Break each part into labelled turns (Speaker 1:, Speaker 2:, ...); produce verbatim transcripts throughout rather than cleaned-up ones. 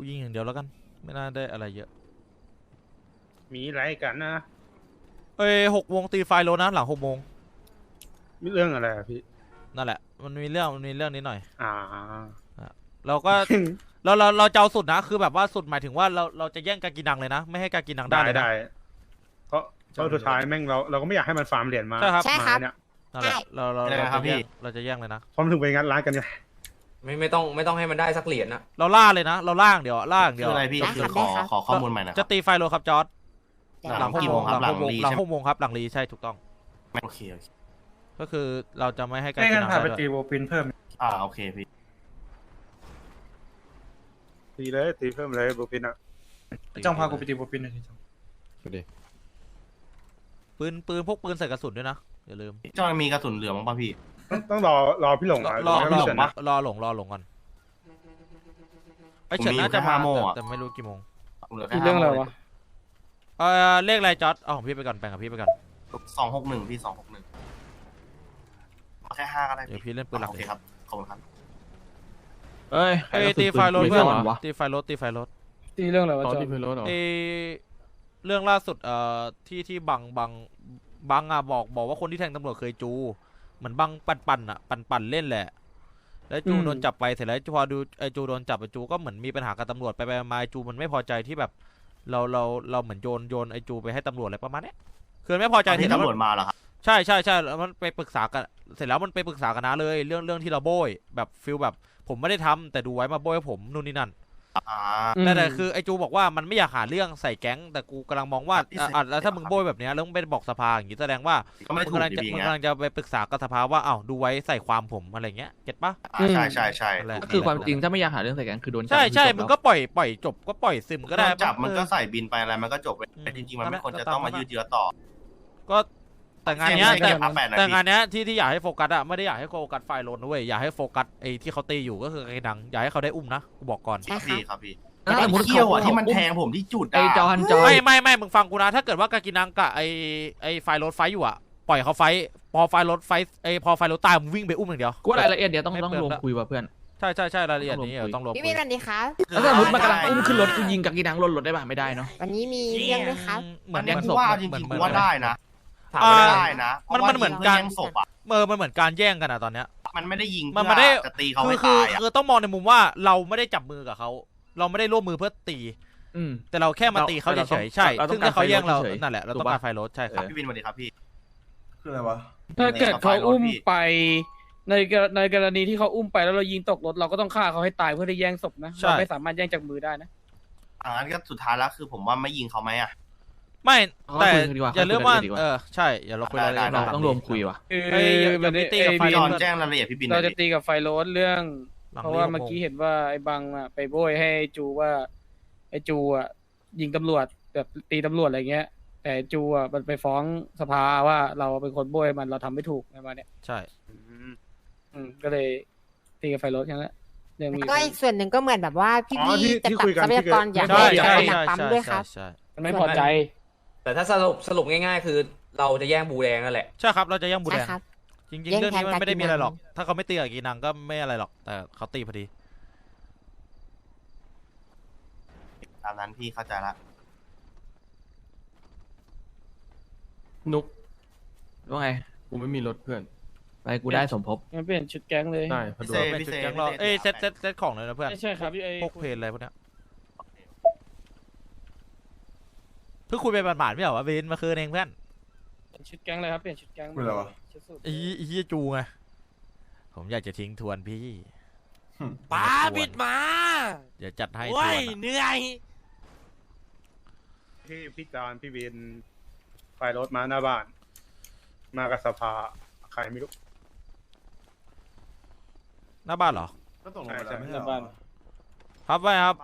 Speaker 1: ยิงอย่างเดียวแล้วกันไม่น่าได้อะไรเยอะ
Speaker 2: มีอะไรกันนะ
Speaker 1: เอ้ยหกโมงตีไฟโลนะหลังหกโมง
Speaker 2: มีเรื่องอะไรอะพี่
Speaker 1: นั่นแหละมันมีเรื่องมันมีเรื่องนิดหน่อย
Speaker 2: อ่า
Speaker 1: เราก็ เราเราเราจะเอาสุดนะคือแบบว่าสุดหมายถึงว่าเราเราจะแย่งกากินังเลยนะไม่ให้กากินังได้เลยนะ
Speaker 2: เพราะเพราะสุดท้ายแม่งเราเราก็ไม่อยากให้มันฟาร์มเหรียญมา
Speaker 1: ใช่ครับ
Speaker 3: ใช่ครับ
Speaker 2: เนี่ย
Speaker 1: นั่นแหละเราเราเราจะแย่งเราจะแย่งเลยนะ
Speaker 2: พร้อมถึงไปงัดร้านกันเนี่ย
Speaker 4: ไม่ไม่ต้องไม่ต้องให้มันได้สักเหรียญนะ
Speaker 1: เราล่าเลยนะเราล่างเดี๋ยวล่างเดี๋ยว
Speaker 5: อะไรพี่คือขอขอข้อมูลใหม่นะ
Speaker 1: จะตีไฟโลครับจอร์ด
Speaker 5: หลังกี่โมงครับหลังรี
Speaker 1: หลังหกโมงครับหลังรีใช่ถูกต้อง
Speaker 5: โอเคโอเค
Speaker 1: ก็คือเราจะไม่ให้กา
Speaker 6: กิ
Speaker 1: นัง
Speaker 6: ได้ด้วยไปตีโบปินเพิ่ม
Speaker 5: อ่าโอเคพี่
Speaker 2: ตีเลยตีเพิ่มเลยบูปินอ่ะ
Speaker 6: จ้องพากูไปตีโบปินหน่อยจ้อง
Speaker 1: ปืนปืนพวกปืนใส่กระสุนด้วยนะอย่าลืม
Speaker 5: จ้องมีกระสุนเหลือมั้งป่ะพี่
Speaker 2: ต้องรอรอพี่หลง
Speaker 1: รอรอรอหลงรอหลงก่อนไอเฉินน่าจะมาแต่ไม่รู้กี่โมง
Speaker 6: เรื่องอะไรวะ
Speaker 1: เออเลขอะไรจอร์ดเอาของพี่ไปก่อนแบ่งกับพี่ไปก่อน
Speaker 5: สองหกหนึ่งพี่สองหกหนึ่งแค่ห้าก็ได้
Speaker 1: เดี๋ยวพี่เล่นปืนหลัก
Speaker 5: โอเคครับขอบคุณครับ
Speaker 1: เอ้ยไอตีไฟรถเพื่อนตีไฟรถตีไฟรถ
Speaker 6: ตีเรื่องอะไรวะจอ
Speaker 1: ไอเรื่องล่าสุดเอ่อที่ที่บังบังบังอ่ะบอกบอกว่าคนที่แทงตำรวจเคยจูเหมือนบังปั่นปั่นอ่ะปั่นปั่นเล่นแหละแล้วจูโดนจับไปเสร็จแล้วพอดูไอจูโดนจับไอจูก็เหมือนมีปัญหากับตำรวจไปไปมาไอจูมันไม่พอใจที่แบบเราเราเราเหมือนโยนโยนไอจูไปให้ตำรวจอะไรประมาณนี้คือไม่พอใจ
Speaker 5: ที่ตำรวจมาเหรอครับ
Speaker 1: ใช่ใช่ใช่แล้วมันไปปรึกษากันเสร็จแล้วมันไปปรึกษากันนะเลยเรื่องเรื่องที่เราโบยแบบฟิลแบบผมไม่ได้ทำแต่ดูไว้มาโบยผมนู่นนี่นั่นแต่แต่คือไอจูบอกว่ามันไม่อยากหาเรื่องใส่แก๊งแต่กูกำลังมองว่าอ่ะแล้วถ้ามึงโบยแบบนี้แล้วมึงไปบอกสภาอย่างนี้แสดงว่ามึงกำลังจะมึงกำลังจะไปปรึกษากับสภาว่าอ้าวดูไว้ใส่ความผมอะไรเงี้ยเก็ตปะ
Speaker 5: ใช่ใช่ใช่
Speaker 7: ก็คือความจริงถ้าไม่อยากหาเรื่องใส่แก๊งคือโดนจับ
Speaker 1: ใช่ใช่มึงก็ปล่อยปล่อยจบก็ปล่อยซึมก็ได้
Speaker 5: จับมันก็ใส่บินไปอะไรมันก็จบไปจริงๆมันไม่ควรจะต้องมายืดเยื้อต่อ
Speaker 1: ก็แต่งานเนี้ยแต่แต่งานเนี้ยที่ที่อยากให้โฟกัสอะไม่ได้อยากให้โฟกัสไฟโลนด้วยอยากให้โฟกัสไอ้ที่เขาตีอยู่ก็คือไอ้ดังอยากให้เขาได้อุ้มนะกูบอกก่อน
Speaker 5: พี่ครับพี่ไอ้เขี้ยวอ่ะที่มันแทงผมที่จุด
Speaker 7: ไอ้จอนจอน
Speaker 1: ไม่ไม่ไม่มึงฟังกูนะถ้าเกิดว่ากากินังกับไอ้ไอ้ไฟโลนไฟอยู่อะปล่อยเขาไฟพอไฟโลนไฟไอ้พอไฟโลนตายมึงวิ่งไปอุ้มอย่างเดียว
Speaker 7: กูรายละเอียดเดี๋ยวต้องต้องลงคุยว่ะเพื่อน
Speaker 1: ใช่ใช่ใช่รายละเอียดนี้ต้องลง
Speaker 3: พี่มีกันดีครับ
Speaker 7: แล้วสมมติมันกำลังอุ้มขึ้นรถกูยิงกากินังรถรถได้ป่ะไม่ได้เนาะ
Speaker 3: วันนี้มีเรื่องด้วยครับ
Speaker 5: เหมือนยังว่าจริงๆว่าได้นะ
Speaker 1: ถามได้นะมันมันเหมือนการ
Speaker 5: ศพอ่ะ
Speaker 1: เออมันเหมือนการแย่งกันอะตอนเนี้ย
Speaker 5: มันไม่ได้ยิง
Speaker 1: มันไม่ได้
Speaker 5: จะตีเขา
Speaker 1: ให้ตายคือต้องมองในมุมว่าเราไม่ได้จับมือกับเขาเราไม่ได้ร่วมมือเพื่อตีแต่เราแค่มาตีเขาเฉยๆใช่ซึ่งถ้าเขาแย่งเรานั่นแหละเราต้องการไฟรถใช่ครับ
Speaker 5: พี่วินสวัสดีครับพี่
Speaker 6: คืออะไรวะถ้าเกิดเขาอุ้มไปในในกรณีที่เขาอุ้มไปแล้วเรายิงตกรถเราก็ต้องฆ่าเขาให้ตายเพื่อได้แย่งศพนะเราไม่สามารถแย่งจากมือได้นะ
Speaker 5: อ่างั้นก็สุดท้ายแล้วคือผมว่าไม่ยิงเขาไหมอ่ะ
Speaker 1: ไม่แต่อย่าลืมว่าเออใช่อย่าเราคุยรายละเอียด
Speaker 7: ต้องรวมคุยว่ะ
Speaker 6: คือวันนี้
Speaker 5: ตีกับไฟโรสแจ้งรายละเอียดพี่บิน
Speaker 6: เราจะตีกับไฟโรสเรื่องเพราะว่าเมื่อกี้เห็นว่าไอ้บังอ่ะไปโบยให้จูว่าไอ้จูอ่ะยิงตำรวจแบบตีตำรวจอะไรเงี้ยแต่จูอ่ะมันไปฟ้องสภาว่าเราเป็นคนโบยมันเราทำไม่ถูกอะไรมาเนี่ย
Speaker 1: ใช่
Speaker 6: อืมก็เลยตีกับไฟโรสแค่นั้น
Speaker 3: ก็อีกส่วนหนึ่งก็เหมือนแบบว่าพี่พี่จะตัดทรัพยากรอยากให้อยากให้หนักปั๊มด้วยครับ
Speaker 6: มันไม่พอใจ
Speaker 4: แต่ถ้าสรุปสรุปง่ายๆคือเราจะแย่งบูแดงนั่นแหละ
Speaker 1: ใช่ครับเราจะแย่งบูแดงจริงๆเรื่องนี้มันไม่ได้มีอะไรหรอกถ้าเขาไม่ตีกับกีนังก็ไม่อะไรหรอกแต่เขาตีพอดี
Speaker 5: ตามนั้นพี่เข้าใจละ
Speaker 7: นุกว่าไงกูไม่มีรถเพื่อนไปกูได้สมภพ
Speaker 6: งั้นเปลี่ยนชุดแก๊งเลย
Speaker 7: ได้
Speaker 1: พอดีเป็นชุดแก๊งเราเอ้ยเซตเซตเซตของเลยนะเพื่อน
Speaker 6: ใช่ครับพี่ไอ้
Speaker 1: พวกเพลนอะไรพวกเนี้ยเพิ่งคุยไปบาดๆไม่เหรอวะวินมาคืนเองเพื่อน
Speaker 6: ชุดแก๊งเลยครับเปลี่ยนชุดแก๊ง
Speaker 7: เป็นไรวะ
Speaker 1: อีอีจูไงผมอยากจะทิ้งทวนพี่
Speaker 8: ป้าบิดมา
Speaker 1: เดี๋ยวจัดให้
Speaker 8: ทวนเหนื่อย
Speaker 2: พี่พี่จอนพี่วินไฟรถมาหน้าบ้านมากับสภาใครไม่รู้
Speaker 1: หน้าบ้านเหรอ
Speaker 2: ก็ตรงหน้าบ้าน
Speaker 1: ครับไว้ครับ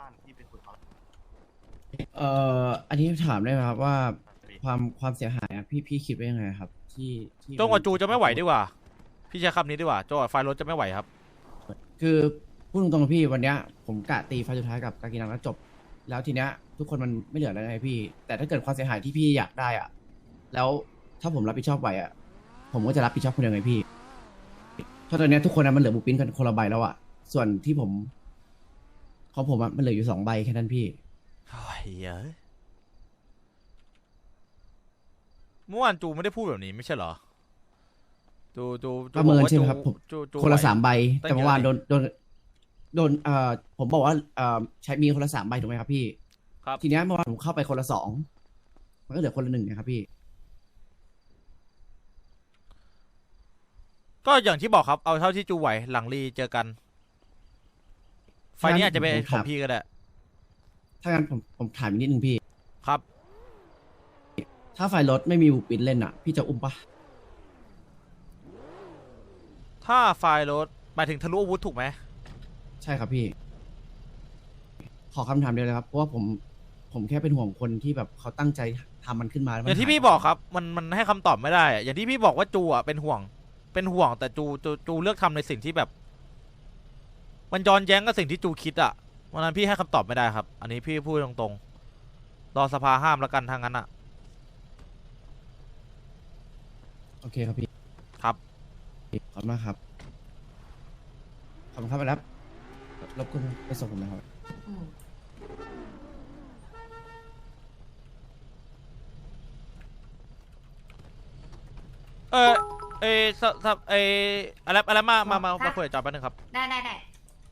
Speaker 9: เอ่ออันนี้ถามได้ไหมครับว่าความความเสียหายอ่ะพี่พี่คิดว่ายังไงครับที่ที่
Speaker 1: โจ้กับจูจะไม่ไหวดีกว่าพี่ใช้คำนี้ดีกว่าโจ้ไฟรถจะไม่ไหวครับ
Speaker 9: คือพูดตรงๆพี่วันเนี้ยผมกะตีไฟสุดท้ายกับกากินังแล้วจบแล้วทีเนี้ยทุกคนมันไม่เหลือแล้วไงพี่แต่ถ้าเกิดความเสียหายที่พี่อยากได้อ่ะแล้วถ้าผมรับผิดชอบไหวอ่ะผมก็จะรับผิดชอบคนเดียวไงพี่เพราะตอนนี้ทุกคนมันเหลือบุปผินกันคนละใบแล้วอ่ะส่วนที่ผมของผมอะมันเหลืออยู่สองใบแค่นั้นพี่
Speaker 1: โอ้ยเอ้ยเมื่อวานจูไม่ได้พูดแบบนี้ไม่ใช่เหรอจูจูจู
Speaker 9: ประเมิน
Speaker 1: บอกว่า
Speaker 9: ใช่ไหมครับผม
Speaker 1: จูจู
Speaker 9: คนละ
Speaker 1: ไหว
Speaker 9: สามใบ
Speaker 1: ตั้ง
Speaker 9: แต่เมื่อวาน
Speaker 1: เย
Speaker 9: โด
Speaker 1: อะ
Speaker 9: นโดนโดนเอ่อผมบอกว่าเอ่อใช้มีคนละสามใบถูกไหมครับพี่
Speaker 1: ครับ
Speaker 9: ทีเนี้ยเมื่อวานผมเข้าไปคนละสองมันก็เหลือคนละหนึ่งนะครับพี่
Speaker 1: ก็อย่างที่บอกครับเอาเท่าที่จูไหวหลังรีเจอกัน ไฟล์นี้อาจจะเป็นของพี่ก็ได้
Speaker 9: ถ้างั้นผมผมถามอีกนิดนึงพี่
Speaker 1: ครับ
Speaker 9: ถ้าไฟรถไม่มีบุปปินเล่นอ่ะ พี่จะอุ้มปะ
Speaker 1: ถ้าไฟล์รถหมายถึงทะลุอาวุธถูกไหม
Speaker 9: ใช่ครับพี่ ขอคำถามเดียวเลยครับ เพราะว่าผมผมแค่เป็นห่วงคนที่แบบเขาตั้งใจทำมันขึ้นมาแล้ว
Speaker 1: อ
Speaker 9: มัน
Speaker 1: ย่างที่
Speaker 9: ห
Speaker 1: พี่บอกครับ มันมันให้คำตอบไม่ได้อะอย่างที่พี่บอกว่าจูอ่ะเป็นห่วง เป็นห่วงแต่จูจูจูเลือกทำในสิ่งที่แบบ มันย้อนแย้งกับสิ่งที่จูคิดอ่ะวันนั้นพี่ให้คำตอบไม่ได้ครับ อันนี้พี่พูดตรงๆรอสภาห้ามแล้วกันทางนั้นอ่ะ
Speaker 9: โอเคครับพี่
Speaker 1: ครับ
Speaker 9: ขอบคุณมากครับ ขอบคุณครับไปรับรบกวนไปส่งผมนะครับ
Speaker 3: อืม
Speaker 1: เออเออสสเอออะไรอะไรมามามามาคุยกับจอแป๊บนึงครับ
Speaker 3: ได้ได้ได้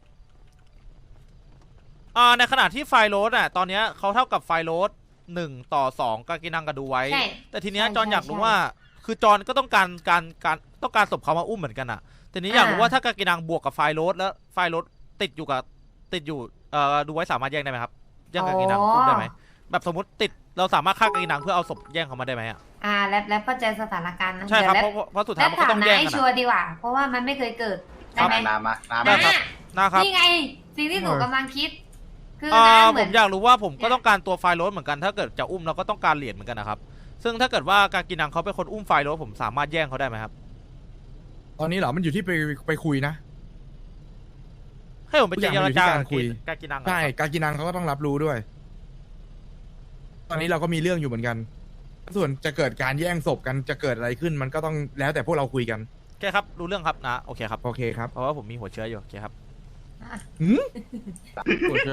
Speaker 1: อ่าในขณะที่ไฟล์โรดอ่ะตอนเนี้ยเขาเท่ากับไฟล์โรดหนึ่งต่อสองกากินังกับดูไว้
Speaker 3: ใช่
Speaker 1: แต่ทีเนี้ย
Speaker 3: ใช่
Speaker 1: จอนอยาก
Speaker 3: ใช่
Speaker 1: รู้
Speaker 3: ใช่
Speaker 1: ว่า คือจอนก็ต้องการการการต้องการศพเขามาอุ้มเหมือนกันอ่ะทีนี้อยากรู้
Speaker 3: อ่า
Speaker 1: ว่าถ้ากากินังบวกกับไฟล์โรดแล้วไฟล์โรดติดอยู่กับติดอยู่เอ่อดูไว้สามารถแย่งได้ไหมครับแย่งกากินังอุ้มได้ไหมแบบสมมติติดเราสามารถฆ่ากากินังเพื่อเอาศพแย่งเขามาได้ไหมอ่ะ
Speaker 3: อ่าแล้วแล้วเข้าใจสถานการณ์นะ
Speaker 1: ใช่ครับ
Speaker 3: เดี๋
Speaker 1: เพ
Speaker 3: ยว
Speaker 1: ราะเพราะสุด
Speaker 3: แล้
Speaker 1: ท้ายว มันก็
Speaker 3: ถาม
Speaker 1: ต้อง
Speaker 3: นา
Speaker 1: แย่ง
Speaker 3: ให้
Speaker 1: กัน
Speaker 3: ชัว
Speaker 1: อะ
Speaker 3: ร์ดีกว่า เพราะว่ามันไม่เคยเกิดได้ไหม
Speaker 5: น้ำมาน้ำ
Speaker 1: ได้
Speaker 5: มา
Speaker 1: ครับ นะครับ
Speaker 3: นี่ไง สิ่งที่หนูกำลังคิด คือ
Speaker 1: อ่า
Speaker 3: นะเห
Speaker 1: ผ
Speaker 3: มือ
Speaker 1: ม
Speaker 3: น
Speaker 1: อยากรู้ว่าผมก็ต้องการตัวไฟล์โรดเหมือนกันถ้าเกิดจะอุ้มเราก็ต้องการเหรียญเหมือนกันนะครับซึ่งถ้าเกิดว่าการกินังเขาเป็นคนอุ้มไฟล์โรดผมสามารถแย่งเขาได้ไหมครับ
Speaker 10: ตอนนี้เหรอ มันอยู่ที่ไปไปคุยนะ
Speaker 1: ให้ผมไปเจรจา
Speaker 10: ทุกอย่างมันอยู่ที่การคุย
Speaker 1: การกินังเหรอ
Speaker 10: ใช่ การกินังเขาก็ต้องรับรู้ด้วย ตอนนี้เราก็มีเรื่องอยู่เหมือนกัน ส่วนจะเกิดการแย่งศพกันจะเกิดอะไรขึ้น มันก็ต้องแล้วแต่พวกเราคุยกัน
Speaker 1: โอเคครับรู้เรื่องครับนะโอเคครับ
Speaker 10: โอเคครับ
Speaker 1: เพราะว่าผมมีหัวเชื้ออยู่โอเคครับ
Speaker 10: หืม
Speaker 7: โอเค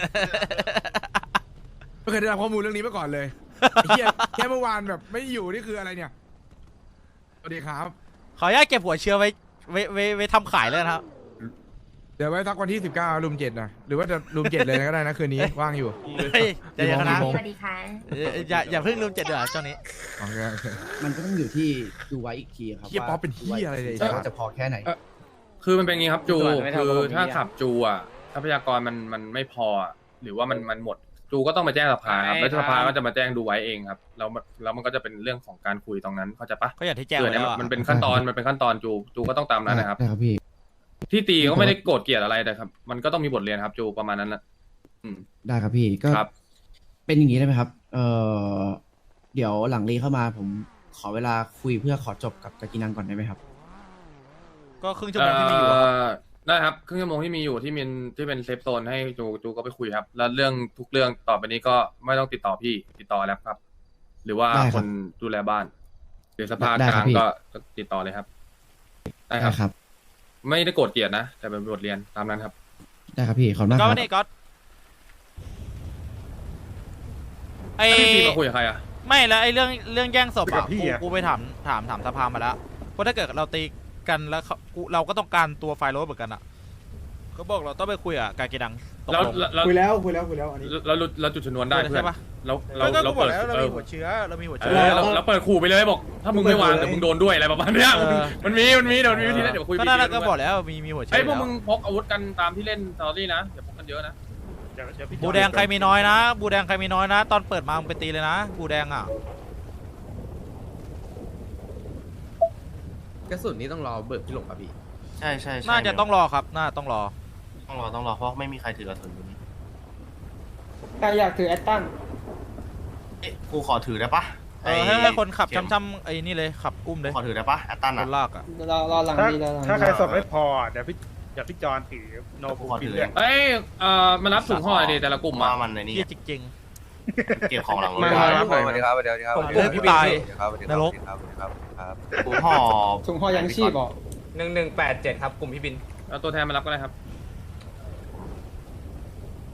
Speaker 10: ไม่เคยได้รับข้อมูลเรื่องนี้มาก่อนเลยไอ้เหี้ยแค่เมื่อวานแบบไม่อยู่นี่คืออะไรเนี่ย สวัสดีครับ
Speaker 1: ขออนุญาตเก็บหัวเชื้อไว้ไว้ไว้ไว้ทำขายเลยนะครับ
Speaker 10: เดี๋ยวไว้สักวันที่สิบเก้ารุมเจ็ดนะหรือว่าจะรุมเจ็ดเลยก็ได้นะคืนนี้ ว่างอยู่
Speaker 1: เฮ้ยใจเย็นนะ
Speaker 10: กี่โมง
Speaker 3: สวัสดีค่ะ
Speaker 1: เอ่ออย่าอย่าเพิ่งลืมเจ็ดเดือนช่วงนี้
Speaker 10: โอเคโอเค
Speaker 9: มันก็ต้องอยู่ที่ดูไว้อีกทีครับ
Speaker 10: เหี้ยป๊อปเป็นเหี้ยอะไรเนี่ย
Speaker 9: ว่าจะพอแค่ไหน
Speaker 11: คือมันเป็นอย่างงี้ครับจู
Speaker 6: ก่อนไม่ทำ
Speaker 11: คือ
Speaker 6: ระบบ
Speaker 11: ถ้า
Speaker 6: นี้อะ
Speaker 11: ขับจูอ่ะทรัพยากรมันมันไม่พออะหรือว่ามันมันหมดจูก็ต้องมาแจ้งสภาครับ
Speaker 6: ใช่
Speaker 11: แล้วสภา
Speaker 6: ครับ
Speaker 11: ก็จะมาแจ้งดูไว้เองครับแล้วมันแล้วมันก็จะเป็นเรื่องของการคุยตรงนั้นเข้าใจปะ
Speaker 1: ก็อย่างที่แจ้ง
Speaker 11: เกิด
Speaker 1: ไว้
Speaker 11: เนี่ย
Speaker 1: แล้วอะ
Speaker 11: มันเป็นขั้นตอนมันเป็นขั้นตอนจูจูก็ต้องตามนั้นนะครับ
Speaker 9: ได้ครับพี่
Speaker 11: ที่ตีก็ไม่ได้โกรธเกลียดอะไรแต่ครับ มันก็ต้องมีบทเรียนครับจูประมาณนั้นนะอืม
Speaker 9: ได้ครับพี่ก็
Speaker 11: ครับ
Speaker 9: เป็นอย่างนี้ได้ไหมครับ เอ่อเดี๋ยวหลังรีเข้ามาผมขอเวลาคุยเพื่อขอจบกับกากินังก่อนได้ไหมครับ
Speaker 1: ก็ครึ่งชั่วโมงที่มีอยู่อะครับ
Speaker 11: เอ่อได้ครับครึ่งชั่วโมงที่มีอยู่ที่มินที่เป็นเซฟโซนให้จูจูก็ไปคุยครับ แล้วเรื่องทุกเรื่องต่อไปนี้ก็ไม่ต้องติดต่อพี่ติดต่อแล้วครับ หรือว่า
Speaker 9: ได้ครับ
Speaker 11: คนดูแลบ้านหรือสภา
Speaker 9: ได้
Speaker 11: ก
Speaker 9: ครั
Speaker 11: ลา
Speaker 9: บ
Speaker 11: ง
Speaker 9: พี่
Speaker 11: ก็ติดต่อเลยครับได้ครับ
Speaker 9: ได้ครับ
Speaker 11: ไม่ได้โกรธเกลียดนะ แต่เป็นบทเรียนตามนั้นครับ
Speaker 9: ได้ครับพี่ขอบคุณมากค
Speaker 1: ก็
Speaker 9: รับ
Speaker 1: นี่ก็ไอ
Speaker 11: แล้วพี่ซีมาคุยกับใครอ่ะ
Speaker 1: ไม่แล้วไอเรื่องเรื่องแย่งศพ
Speaker 2: กั
Speaker 1: อ่ะ
Speaker 2: บพี่
Speaker 1: กู
Speaker 2: อะ
Speaker 1: กูไปถามถามถามสภามาแล้วเพราะถ้าเกิดเราตีกันแล้วเขากูเราก็ต้องการตัวไฟล์โรดเหมือนกันอ่ะเขาบอกเราต้องไปคุยกับการกินังตก
Speaker 11: แล้ว
Speaker 1: ลง
Speaker 11: แล้ว
Speaker 2: คุยแล้วคุยแล้วคุยแล้วอันนี้
Speaker 11: แล้วแล้วแล้วจุดชนวนได้เพื่อน
Speaker 1: ใช่ปะ
Speaker 11: แล้วเรา
Speaker 1: ก็
Speaker 11: เรา
Speaker 1: ก็บอก
Speaker 11: เปิด
Speaker 1: แล้วเรา
Speaker 11: เอ
Speaker 1: มี
Speaker 11: อ
Speaker 1: หัวเชื้อเรามีหัว
Speaker 11: เอ
Speaker 1: เชื้อ
Speaker 11: อเราเราเปิดขู่ไปเลยบอก ถ้ามึงไม่วางเดี๋ยวมึงโดนด้วยอะไรประมาณเนี้ย
Speaker 1: เออ
Speaker 11: มันมีมันมีเดี๋ยวมันมีวิธีนั้นเดี๋ยวคุย
Speaker 1: ก็
Speaker 11: วิธี
Speaker 1: น่า
Speaker 11: นั้น
Speaker 1: ก็บอกแล้วมีมีหัวเชื้
Speaker 11: ไอ้
Speaker 1: อย
Speaker 11: พวก
Speaker 1: แล้ว
Speaker 11: มึงพกอาวุธกันตามที่เล่นสตอรี่นะอย่าพกกันเยอะนะ
Speaker 2: เดี๋ยวเดี๋ยวพี่
Speaker 1: บูแดงใครมีน้อยนะ บูแดงใครมีน้อยนะ ตอนเปิดมามึงไปตีเลยนะ บูแดงอ่ะ
Speaker 7: กระสุนนี้ต้องรอเบิกพี่หลงป่ะพี่
Speaker 5: ใช่ใช่ใช่
Speaker 1: น่าจะต้องรอครับ น่าต้องรอ
Speaker 5: ต้องรอต้องรอเพราะไม่มีใครถือกระสุนอยู่นี่
Speaker 6: ใครอยากถือแอตตัน
Speaker 5: เอ๊ะกูขอถือได้ปะ
Speaker 1: เออให้ให้คนขับ
Speaker 5: เข็ม
Speaker 1: ช้ำๆไอ้นี่เลยขับอุ้มเลย
Speaker 5: ขอถือได้ปะแอตตัน
Speaker 1: ค
Speaker 5: อ่ะ
Speaker 1: นลากอ่ะ
Speaker 6: รอรอหลัง
Speaker 2: ถ้า
Speaker 6: ดีรอหลัง
Speaker 2: ถ้า
Speaker 6: ดี
Speaker 2: ใครสอบไม่พอเดี๋ยวพี่เดี๋ยวพี่จอนถือโนบุ
Speaker 5: ขอถื
Speaker 2: ปิ
Speaker 5: อ
Speaker 2: เรื่อง
Speaker 11: เอ้ยเอ่อมารับถุงห่อดิแต่ละกลุ่ม
Speaker 5: มา
Speaker 11: อ่ะ
Speaker 5: มันในนี้
Speaker 1: เฮียจริง
Speaker 5: เก็บของหลังรถ
Speaker 11: มา
Speaker 5: ได้
Speaker 11: รับหน่อย
Speaker 5: สวัสดีครับสวัสดีครับ
Speaker 1: ผมกลัวพี่ตายนรก
Speaker 5: ครับครับกูห่อ
Speaker 6: ถุงห่อยังชีพบอก
Speaker 4: หนึ่งหนึ่งแปดเจ็ดครับกลุ่มพี่บิน
Speaker 11: เอาตัวแทนมารับก็ได้ครับ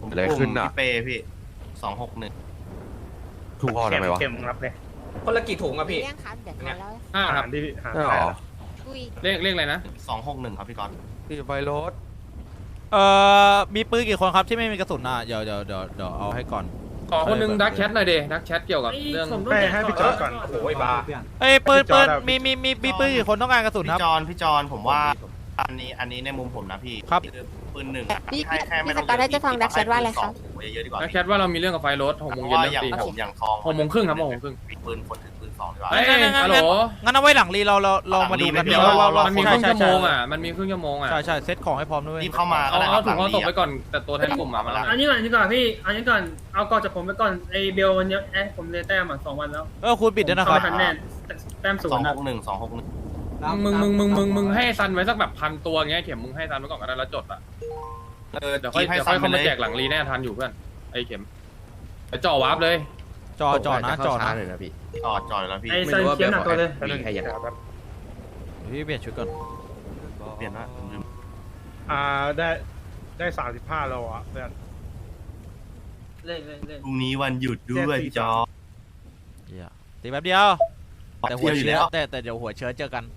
Speaker 5: ผม
Speaker 7: อะไรขึ้นอ่ะ
Speaker 5: พี่เป้พี่สองหกหนึ่ง
Speaker 7: ถูกพอทำไมวะ
Speaker 2: เข็มรับเลย
Speaker 4: คนละกี่ถุงอะพี่
Speaker 3: เรื่องครับเดี๋ยวทานแล้ว
Speaker 11: ห้า
Speaker 2: หา
Speaker 11: ครับ
Speaker 2: รที่หา
Speaker 7: ใช่หรอ
Speaker 3: อุ้ย
Speaker 11: เลขเลขอะไรนะ
Speaker 5: สองหกหนึ่งครับพี่ก๊อต
Speaker 7: พี่ไฟรถ
Speaker 1: เอ่อมีปืนกี่คนครับที่ไม่มีกระสุนอ่ะเดี๋ยวเดี๋ยวเดี๋ยวเดี๋ยวเอาให้ก่อน
Speaker 11: ขอคนหนึงดักแชทหน่อยเดดักแชทเกี่ยวกับเรื่อง
Speaker 2: ให้ให้พี่จอร์ดก่อน
Speaker 4: โอ้ยบ้า
Speaker 1: เอ้ยปืน
Speaker 2: พี่จ
Speaker 1: ปื
Speaker 2: อร์
Speaker 1: น
Speaker 2: จอะ
Speaker 1: มีมีมีมีปืนกี่คนต้องการกระสุนครับ
Speaker 5: พี่จอนพี่จอนผมว่า อันนี้อันนี้ในมุมผมนะพี่
Speaker 1: ครับ
Speaker 5: อปืนหนึ่ง
Speaker 3: พี่
Speaker 5: ให้แค่ไม่
Speaker 3: พี่
Speaker 5: ต้
Speaker 3: ส
Speaker 5: อง
Speaker 3: กอตได้จะฟังดักแชทว่าอะไรครับ
Speaker 5: เยอะๆดีกว่า
Speaker 11: ดักแชทว่าเรามีเรื่องกับไฟรถหก
Speaker 5: เพ
Speaker 11: โมง
Speaker 5: ราะ
Speaker 11: เย็น
Speaker 5: ว่า
Speaker 11: เริ่
Speaker 5: อ
Speaker 11: ม
Speaker 5: ย่าง
Speaker 11: ตี
Speaker 5: ผมอย่างทอง
Speaker 11: หกโมงครึ่งครับหกโมงครึ่ง
Speaker 5: มีปืนคนถือปืนสองดีกว่า
Speaker 11: เอ้ยฮัลโหล
Speaker 1: งั้นเอาไว้หลังรีเราเราเรามาดูกัน
Speaker 5: หลังรี
Speaker 1: ว่าว่าว่า
Speaker 11: มันมีค
Speaker 1: ใช่
Speaker 11: รึ่ง
Speaker 1: ใช่
Speaker 11: ชั่วโม
Speaker 1: ใช่
Speaker 11: งอ่ะมันมีครึ่งชั่วโมงอ่ะ
Speaker 1: ใช่ใช่เซตของให้พร้อมด้วย
Speaker 5: รีบเข้ามา
Speaker 11: เอา
Speaker 5: ก็ได้
Speaker 11: เอาถุง
Speaker 5: หลั
Speaker 11: เอาตกไปก่อนแต่ตัวแทนกลุ่มมามาแล้ว
Speaker 6: อันนี้ก่อนอันนี้ก่อนพี่อันนี้ก่อนเอาก่อนจากผมไปก่อนไอเบลวันนี้แอะผมเลยแต้มอ่ะสองวันแล้ว
Speaker 1: เออคุณปิดด้วยนะครับ
Speaker 6: เข้าไม่ทันแน่แต้มศู
Speaker 5: สอน ง
Speaker 6: ย์
Speaker 5: ห
Speaker 6: อะ
Speaker 5: กหนึ่งสองหกหนึ่ง
Speaker 11: มึงมึงมึงมึงมึงให้ซันไว้สักแบบพันตัวเงี้ยเข็มมึงให้ซันไว้ก่อนก็ได้แล้วจดอ่ะ
Speaker 5: เออ
Speaker 11: เดี๋ยวค่อย
Speaker 5: ให้
Speaker 11: เดี๋ยว
Speaker 5: ซั
Speaker 11: ค่อน ย
Speaker 5: ไป
Speaker 11: เข้า
Speaker 5: เล
Speaker 11: มาย แจกหลังรีแน่ทันอยู่เพื่อนไอ้เข็มไปจ่อวาร์ปเลย
Speaker 1: จอจอนะจอนะ
Speaker 5: จอดจอดแล้วพี่
Speaker 6: ไอซันเขียนหนักตัวเลย
Speaker 2: มีใครอยากแบบ
Speaker 1: พี่เปลี่ยนชุดก่อน
Speaker 5: เปลี่ยนละผมลืม
Speaker 2: อ่าได้ได้สามสิบห้าโลอ่ะเพื่อน
Speaker 6: เล่นเล่นเล่น
Speaker 5: พรุ่งนี้วันหยุดด้วยพี่จอ
Speaker 1: เหี้ยตีแป๊บเดียวแต่หัว
Speaker 5: เที่ยวอยู่
Speaker 1: เชื้
Speaker 5: แล้
Speaker 1: อ
Speaker 5: ว
Speaker 1: แต่แต่เดี๋ยวหัวเชื้อเจอกัน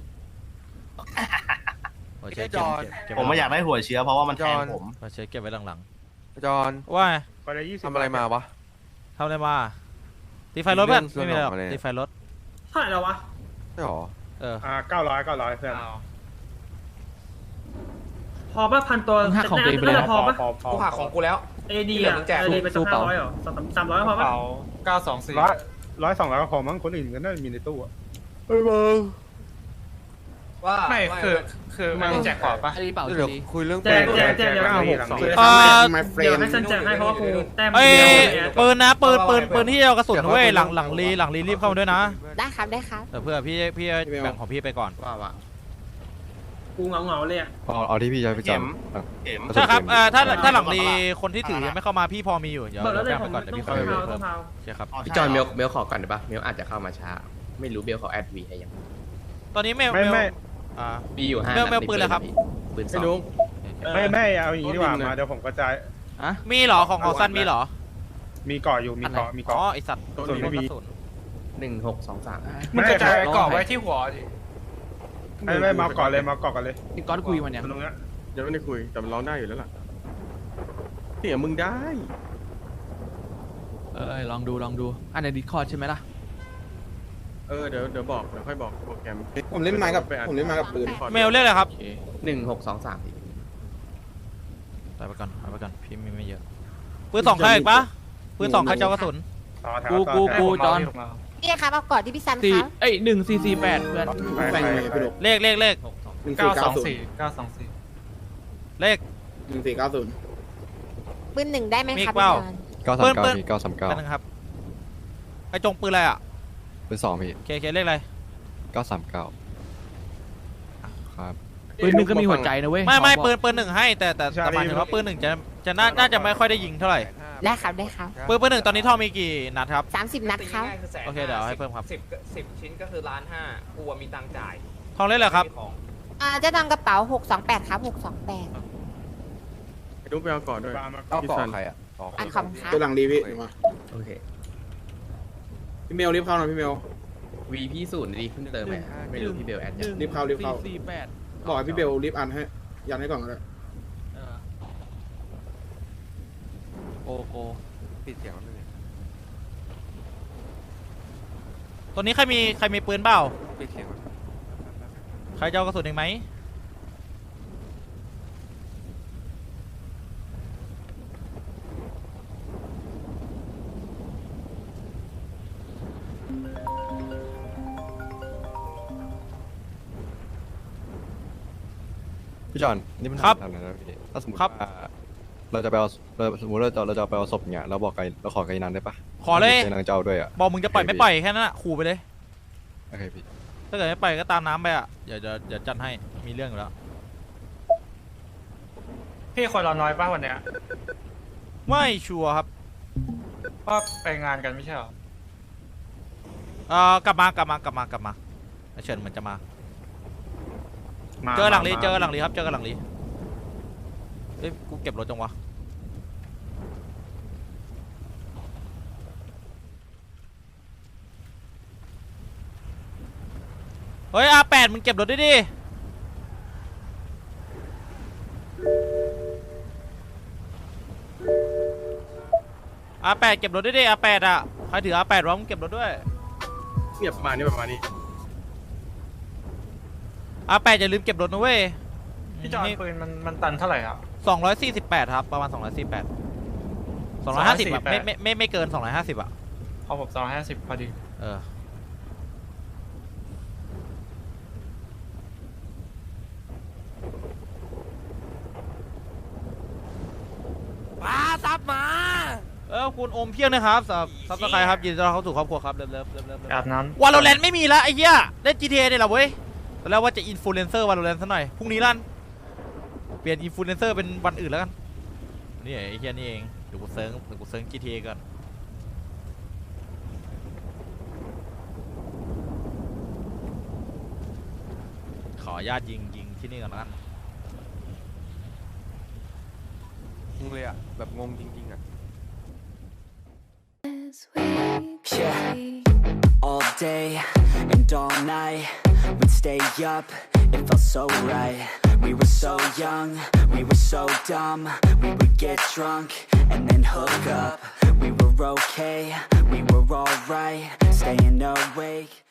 Speaker 1: หัวเชื้อเก็บเก็บเก็บ
Speaker 5: ผมไม่อยากได้หัวเชื้อเพราะว่ามันแทงผม
Speaker 1: หัวเชื้อเก็บไว้หลัง
Speaker 7: จอน
Speaker 1: ๆว่าไง
Speaker 2: ไปได้ยี่สิบ
Speaker 7: ทำอะไรมาวะ
Speaker 1: ทำอะไรมาตีไฟรถเพื่อน
Speaker 7: เรื่
Speaker 1: ไม่
Speaker 7: อง
Speaker 1: มีอะไรหรอก
Speaker 7: ส่วนออกมาเนี่ย
Speaker 1: ตีไฟรถ
Speaker 6: เท่าไหร่แล้ววะ
Speaker 7: ใช่หรอ
Speaker 1: เออ
Speaker 2: อ่าเก้าร้อยเก้าร้อยเพื่อน
Speaker 6: พอป่ะพันตัวน่าจะพอป่ะ
Speaker 2: พอพอ
Speaker 4: กูหักของกูแล้ว
Speaker 6: เอดีอ่ะเอดีไปสักห้าร้อยเหรอสามสามร้อยพอป่ะ
Speaker 2: เก้าสองสี่ร้อยร้อยสองร้อยก็พอมั้งคนอื่นก็น่าจะมีในตู้อ่ะ
Speaker 4: ว่า
Speaker 2: ไม่คือคือมันแจกของปะ
Speaker 7: เดี๋ยวคุยเรื่อง
Speaker 6: แจกแจกแจกเดี๋ยว
Speaker 2: เก้าหกสอง
Speaker 6: เดี๋ยวให้ซันแจกให้เพราะว่ากูแต้ม
Speaker 1: เอ้ย
Speaker 6: เดียวเนี่ย
Speaker 1: ปืนนะปืนปืนปืนที่เอากระสุนเว้ยหลังหลังรีหลังรีรีบเข้ามาด้วยนะ
Speaker 3: ได้ครับได้ครับ
Speaker 1: เออเพื่อพี่พี่แบ่งของพี่ไปก่อน
Speaker 11: ว่าว่า
Speaker 6: กูเหงาเหงาๆเลยอ่ะ
Speaker 7: เอาเอาที่พี่จะไปจ
Speaker 5: เข็มเข็ม
Speaker 1: ใช่ครับเอ่อถ้า
Speaker 5: เออ
Speaker 1: ถ้าหลังรีคนที่ถือยังไม่เข้ามาพี่พอมีอยู่เดี๋ยว
Speaker 6: บอกแล้วเลย
Speaker 1: แบ่ง
Speaker 6: ผ
Speaker 1: ไป
Speaker 6: ม
Speaker 1: ก่อนเดี๋ยว
Speaker 6: ต้อง
Speaker 1: พี่ค่อย
Speaker 6: เผา
Speaker 1: เพิ่
Speaker 6: ต้อง
Speaker 1: ม
Speaker 6: เผา
Speaker 1: ใช่ครับ
Speaker 5: พี่จอนเมลเมลขอ
Speaker 4: ก่อนได้ปะเมลอาจจะเข้ามาช้าไม่รู้เบลเขาแอดวีให้ยัง
Speaker 1: ตอนนี้เมล
Speaker 2: ไม่
Speaker 1: เมล
Speaker 2: ไม่
Speaker 1: อ่า
Speaker 4: มีอยู่ห้า
Speaker 1: เมลเมลปืนเลยครับ
Speaker 4: ปืนส
Speaker 7: ำ
Speaker 4: อง
Speaker 7: นุ๊ก
Speaker 2: ไม่ไม่เอาอย่างนี้ดีกว่ามาเดี๋ยวผมกระจาย
Speaker 1: มีเหรอของของซันมีเหรอ
Speaker 2: มีเกาะอยู่มีเกาะมี
Speaker 1: อ๋อ
Speaker 2: เกาะ
Speaker 1: ไอสัตว์
Speaker 2: ส่วนไม่มี
Speaker 1: กระสุน
Speaker 4: หนึ่งหกสองสาม
Speaker 2: มันกระจาย
Speaker 7: เกาะไว้ที่หัว
Speaker 2: ไม่ไม่มาเกาะเลยมาเกาะกันเลย
Speaker 7: พี่ก้อนคุยมันยัง
Speaker 2: ตรงเนี้ย
Speaker 7: ยังไม่ได้คุยแต่มันร้องได้อยู่แล้วล่ะเสียงมึงได้
Speaker 12: เออลองดูลองดูอันในดิสคอร์ดใช่ไหมล่ะ
Speaker 7: เออเดี๋ยวเดี๋ยวบอกเดี๋ยวค่อยบอกโปรแกรม
Speaker 10: ผมเล่นไม้กับผมเล่นไม้กับปืน
Speaker 1: เมลเรียกอะไรครับ
Speaker 4: หนึ่งหกสองสาม
Speaker 1: ไปไปก่อนไปไปก่อนพี่มีไม่เยอะปืนสองใครอีกปะปืนสองใครจะเอากระสุน
Speaker 2: ต่อแถว
Speaker 12: กู
Speaker 2: ต่อ
Speaker 12: กู
Speaker 2: แถว
Speaker 12: กูจอน
Speaker 3: พี่ครับเอาก่อนที่พี่ซัน
Speaker 12: สี่
Speaker 3: ครับ
Speaker 12: เอ้ยหนึ่งสี่สี่แปดเพื่อน
Speaker 2: ไปไปไป
Speaker 1: เลขเลขเลข
Speaker 10: เก้าสองสี่
Speaker 1: เลข
Speaker 10: หนึ่งสี่เก้าศูนย์
Speaker 3: ปืนหนึ่งได้ไหมครับ
Speaker 1: มีเปล่า
Speaker 3: พี่จอน
Speaker 7: เก้าสาม
Speaker 1: ปื
Speaker 7: เก้าน
Speaker 1: ปืน
Speaker 7: พี่เก้าสามเก้า
Speaker 1: กันนะครับไอจงปืนอะไรอ่ะ
Speaker 7: เป็นสองพี่
Speaker 1: เคเคเลขอะไร
Speaker 7: เก้าสามเก้าครับ
Speaker 12: ปืนหนึ่งก็มีหัวใจนะเว้ย
Speaker 1: ไม่ไม่
Speaker 12: ขอบอก
Speaker 1: ปืนปืนหนึ่งให้แต่แต่แต่หมายถึงว่าปืนหนึ่งจะจะน่าน่าจะไม่ค่อยได้ยิงเท่าไหร่
Speaker 3: ได้ครับได้ครับ
Speaker 1: ปืนปืนหนึ่งตอนนี้ท่อมีกี่นัดครับ
Speaker 3: สามสิบนัดครับ
Speaker 1: โอเคเดี๋ยวให้เพิ่มครับ
Speaker 4: สิบสิบชิ้นก็คือล้านห้ากูมีตังจ่าย
Speaker 1: ทองเล่นเลยครับ
Speaker 3: อ่าจะทำกระเป๋าหกสองแปดครับหกสองแปด
Speaker 7: ไอ้นุ๊กไปเอาก่อนด้วย
Speaker 5: เอาเกาะใครอ่ะ
Speaker 3: อันขอบคุณครับ
Speaker 10: ตัวหลังดีพี่มา
Speaker 4: โอเค
Speaker 10: พี่เมลรีบเข้าหน่อยพี่เมล
Speaker 4: วีพี่ศูนย์ดีเพิ่งเติมไปไม่รู้พี่เบลแอด
Speaker 12: ห
Speaker 4: ยัง
Speaker 12: นึ่ง
Speaker 10: รีบเข้ารีบเข้า
Speaker 12: สี่สี่แปด
Speaker 10: บอกให้พี่เบลรีบอันให้ยันให้ก่อนก็ได้
Speaker 12: เออโกโก
Speaker 7: ปิดเสียงแล้วเนี่ย
Speaker 1: ตัวนี้ใครมีใครมีปืนเปล่า
Speaker 7: ปิดเสียง
Speaker 1: ใครจะเอากระสุนอีกไหม
Speaker 7: พี่จอนนี่มัน
Speaker 1: ครับ
Speaker 7: ทำอะไรนะพี่ถ้าสมมติ
Speaker 1: ครับ
Speaker 7: ว่าเราจะไปเอาเราสมมติเราจะเราจะไปเอาศพเนี่ยเราบอกไกเราขอไกนันได้ปะ
Speaker 1: ขอเลย
Speaker 7: ไกนันจะเอาด้วยอ่ะ
Speaker 1: บอกมึงจะปล่อยไม่ปล่อยแค่นั้นอะขู่ไปเลย
Speaker 7: โอเคพี่
Speaker 1: ถ้าเกิดไม่ปล่อยก็ตามน้ำไปอ่ะเดี๋ยวเดี๋ยวเดี๋ยวจัดให้มีเรื่องอยู่แล้ว
Speaker 2: พี่คนเราน้อยป่ะวันเนี้ย
Speaker 1: ไม่ชัวร์ครับ
Speaker 2: ก็ไปงานกันไม่ใช่หรอ
Speaker 1: เอ่อกลับมากลับมากลับมากลับมาเชิญเหมือนจะมา เจอหลังลีเจอหลังลีครับเจอหลังลีเอ้ยกูเก็บรถจังวะเฮ้ยอาแปดมึงเก็บรถด้วยดิอาแปดเก็บรถด้วยดิอาแปดอ่ะใครถืออาแปดวะมึงเก็บรถด้วย
Speaker 11: เนี่ยประมาณนี้ประมาณนี้
Speaker 1: อาแปดอย่าลืมเก็บรถนะเว้ย
Speaker 5: พี่จอนปืนมันมันตันเท่าไหร่ครับ
Speaker 1: สองร้อยสี่สิบแปดครับประมาณสองร้อยสี่สิบแปดสองร้อยห้าสิบแบบไม่ไม่ไม่ไม่เกินสองร้อยห้าสิบอ่ะ
Speaker 5: พอผมสองร้อยห้าสิบพอดี
Speaker 1: เออ
Speaker 8: ป้าซับมา
Speaker 1: เออคุณโอมเพียงนะครับซับซับสไครครับยินดีต้อนรับเข้าสู่ครอบครัวครับเริ่มเริ่มเริ่มเริ่ม
Speaker 5: อาบน้
Speaker 1: วาโลแรนต์ไม่มีแล้วไอ้เหี้ยเล่น จี ที เอ เนี่ยเหรอเว้ยตอนแรกว่าจะอินฟลูเอนเซอร์วาโลแรนต์ซะหน่อยพรุ่งนี้ลั่นเปลี่ยนอินฟลูเอนเซอร์เป็นวันอื่นแล้วกันนี่ไอ้เหี้ยนี่เองเดี๋ยวกูเซิร์งเดี๋ยวกูเซิร์ง จี ที เอ ก่อนขออนุญาตยิงยิงที่นี่ก่อนแล้วกัน
Speaker 7: งงเลยอ่ะ แบบงงจริงๆอ่ะ
Speaker 13: Yeah, all day and all night, we'd stay up, it felt so right. We were so young, we were so dumb, we would get drunk and then hook up. We were okay, we were alright, staying awake.